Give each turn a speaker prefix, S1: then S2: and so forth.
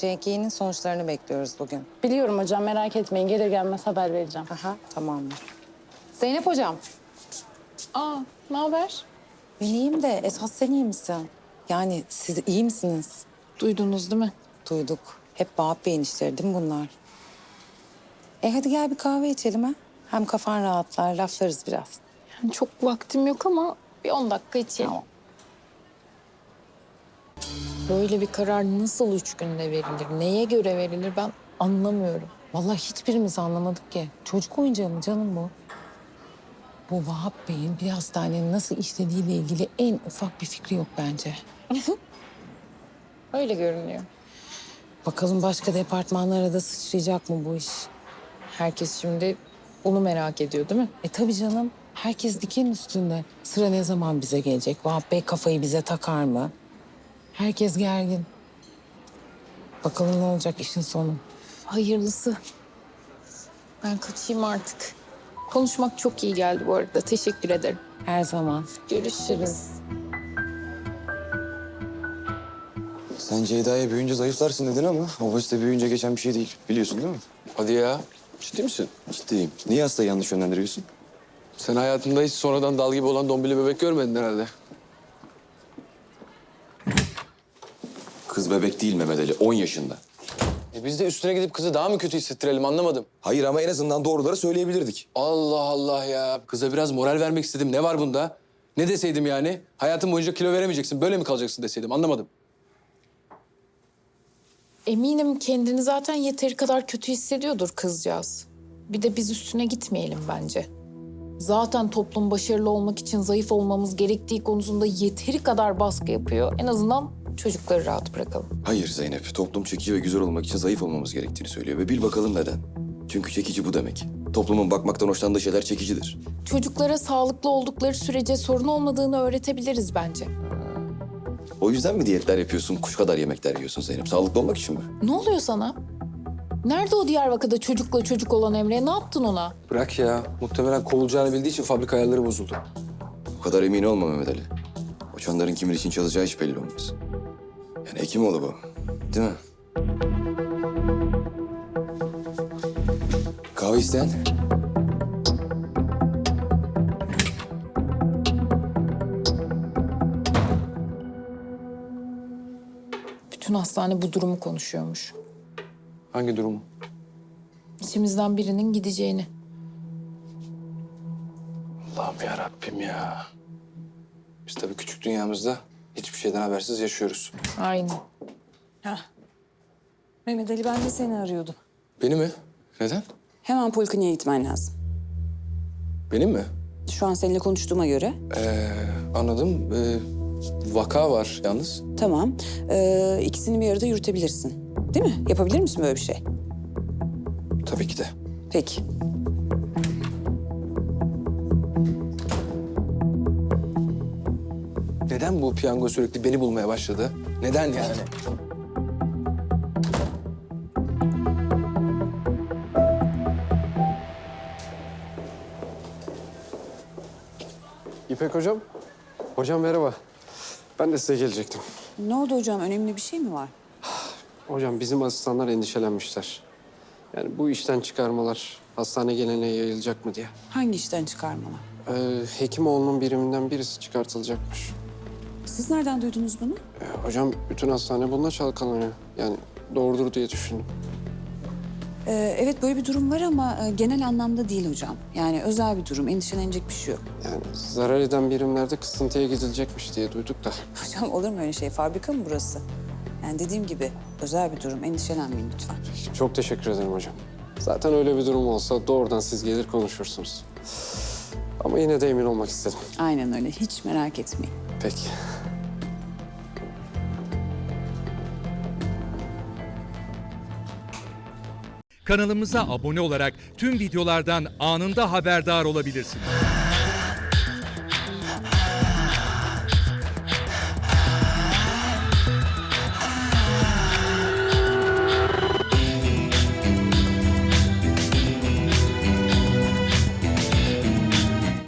S1: HCG'nin sonuçlarını bekliyoruz bugün.
S2: Biliyorum hocam, merak etmeyin. Gelir gelmez haber vereceğim.
S1: Aha, tamamdır. Zeynep hocam.
S2: Aa, ne haber?
S1: Ben iyiyim de esas sen iyi misin? Yani siz iyi misiniz?
S2: Duydunuz değil mi?
S1: Duyduk. Hep Vahap Bey'in işleri değil mi bunlar? Hadi gel bir kahve içelim ha. Hem kafan rahatlar, laflarız biraz.
S2: Yani çok vaktim yok ama bir 10 dakika içelim.
S1: Tamam.
S3: Böyle bir karar nasıl 3 günde verilir? Neye göre verilir ben anlamıyorum.
S1: Vallahi hiçbirimiz anlamadık ki. Çocuk oyuncağı mı canım bu? Bu Vahap Bey'in bir hastanenin nasıl işlediğiyle ilgili en ufak bir fikri yok bence.
S3: Öyle görünüyor.
S1: Bakalım başka departmanlara da sıçrayacak mı bu iş?
S3: Herkes şimdi onu merak ediyor değil mi?
S1: Tabii canım. Herkes diken üstünde. Sıra ne zaman bize gelecek? Vahap Bey kafayı bize takar mı? Herkes gergin. Bakalım ne olacak işin sonu.
S3: Hayırlısı. Ben kaçayım artık. Konuşmak çok iyi geldi bu arada. Teşekkür ederim.
S1: Her zaman.
S3: Görüşürüz.
S4: Sen Ceyda'ya büyüyünce zayıflarsın dedin ama obezite büyüyünce geçen bir şey değil. Biliyorsun değil mi?
S5: Hadi ya. Ciddi misin?
S4: Ciddiyim. Niye hastayı yanlış yönlendiriyorsun?
S5: Sen hayatında hiç sonradan dal gibi olan dombili bebek görmedin herhalde.
S4: Kız bebek değil Mehmet Ali, 10 yaşında.
S5: Biz de üstüne gidip kızı daha mı kötü hissettirelim anlamadım.
S4: Hayır ama en azından doğruları söyleyebilirdik.
S5: Allah Allah ya. Kıza biraz moral vermek istedim. Ne var bunda? Ne deseydim yani? Hayatın boyunca kilo veremeyeceksin, böyle mi kalacaksın deseydim anlamadım.
S3: Eminim kendini zaten yeteri kadar kötü hissediyordur kızcağız. Bir de biz üstüne gitmeyelim bence. Zaten toplum başarılı olmak için zayıf olmamız gerektiği konusunda yeteri kadar baskı yapıyor. En azından çocukları rahat bırakalım.
S4: Hayır Zeynep, toplum çekici ve güzel olmak için zayıf olmamız gerektiğini söylüyor. Ve bil bakalım neden. Çünkü çekici bu demek. Toplumun bakmaktan hoşlandığı şeyler çekicidir.
S3: Çocuklara sağlıklı oldukları sürece sorun olmadığını öğretebiliriz bence.
S4: O yüzden mi diyetler yapıyorsun, kuş kadar yemekler yiyorsun Zeynep? Sağlıklı olmak için mi?
S3: Ne oluyor sana? Nerede o Diyarbakır'da çocukla çocuk olan Emre? Ne yaptın ona?
S5: Bırak ya. Muhtemelen kovulacağını bildiği için fabrika ayarları bozuldu.
S4: O kadar emin olma Mehmet Ali. O çanların kimin için çalacağı hiç belli olmaz. Yani Hekimoğlu bu. Değil mi? Kahve isteyen?
S3: Bütün hastane bu durumu konuşuyormuş.
S5: Hangi durum?
S3: İçimizden birinin gideceğini.
S5: Allah'ım ya Rabbim ya. Biz tabii küçük dünyamızda hiçbir şeyden habersiz yaşıyoruz.
S3: Aynen.
S6: Mehmet Ali, ben de seni arıyordum.
S5: Beni mi? Neden?
S6: Hemen polikliniğe gitmen lazım.
S5: Benim mi?
S6: Şu an seninle konuştuğuma göre.
S5: Anladım. Vaka var yalnız.
S6: Tamam. İkisini bir arada yürütebilirsin. Değil mi? Yapabilir misin böyle bir şey?
S5: Tabii ki de.
S6: Peki.
S5: Neden bu piyango sürekli beni bulmaya başladı? Neden yani?
S7: İpek hocam. Hocam merhaba. Ben de size gelecektim.
S6: Ne oldu hocam? Önemli bir şey mi var?
S7: Hocam bizim asistanlar endişelenmişler. Yani bu işten çıkarmalar hastane geleneğe yayılacak mı diye.
S6: Hangi işten çıkarmalar?
S7: Hekimoğlu'nun biriminden birisi çıkartılacakmış.
S6: Siz nereden duydunuz bunu?
S7: Hocam bütün hastane bununla çalkalanıyor. Yani doğrudur diye düşündüm.
S6: Evet, böyle bir durum var ama genel anlamda değil hocam. Yani özel bir durum. Endişelenecek bir şey yok.
S7: Yani zarar eden birimlerde kısıntıya gidilecekmiş diye duyduk da.
S6: Hocam olur mu öyle şey? Fabrika mı burası? Yani dediğim gibi özel bir durum. Endişelenmeyin lütfen.
S7: Çok teşekkür ederim hocam. Zaten öyle bir durum olsa doğrudan siz gelir konuşursunuz. Ama yine de emin olmak istedim.
S6: Aynen öyle. Hiç merak etmeyin.
S7: Peki.
S8: Kanalımıza abone olarak tüm videolardan anında haberdar olabilirsiniz.